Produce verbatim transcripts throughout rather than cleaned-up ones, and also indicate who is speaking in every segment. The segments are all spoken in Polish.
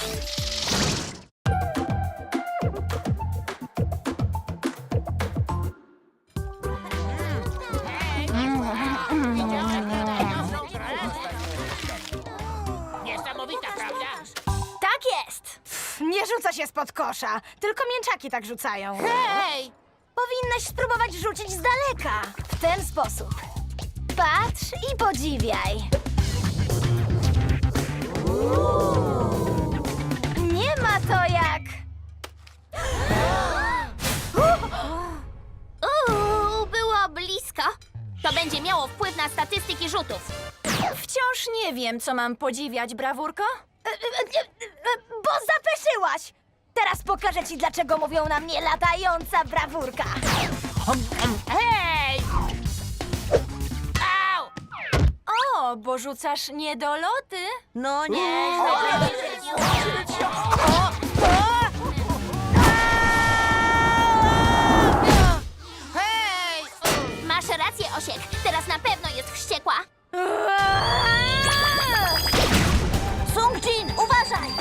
Speaker 1: Niesamowita, prawda?
Speaker 2: Tak jest! Pff, nie rzuca się spod kosza, tylko mięczaki tak rzucają.
Speaker 1: Hej!
Speaker 2: Powinnaś spróbować rzucić z daleka. W ten sposób. Patrz i podziwiaj. Nie ma to jak...
Speaker 3: Uuu, było blisko. To będzie miało wpływ na statystyki rzutów.
Speaker 2: Wciąż nie wiem, co mam podziwiać, brawurko. E, e, e, e, Bo zapeszyłaś! Teraz pokażę ci, dlaczego mówią na mnie latająca brawurka.
Speaker 1: Hej! Au!
Speaker 2: O, bo rzucasz niedoloty.
Speaker 4: No nie.
Speaker 1: Hej!
Speaker 3: Masz rację, Osiek. Teraz na pewno jest wściekła.
Speaker 2: Sung-Jin, uważaj!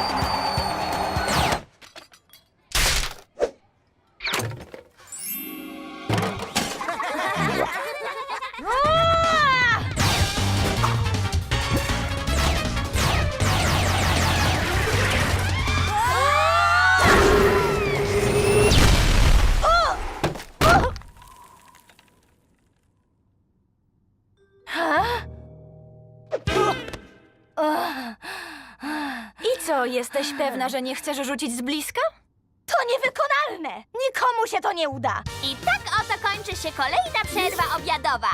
Speaker 2: I co, jesteś pewna, że nie chcesz rzucić z bliska? To niewykonalne! Nikomu się to nie uda!
Speaker 3: I tak oto kończy się kolejna przerwa obiadowa.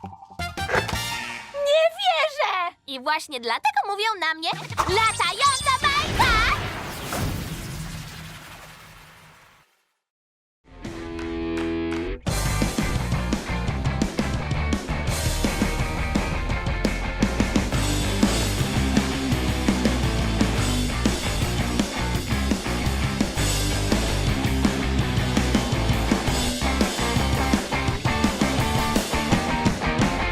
Speaker 2: Nie wierzę!
Speaker 3: I właśnie dlatego mówią na mnie latająca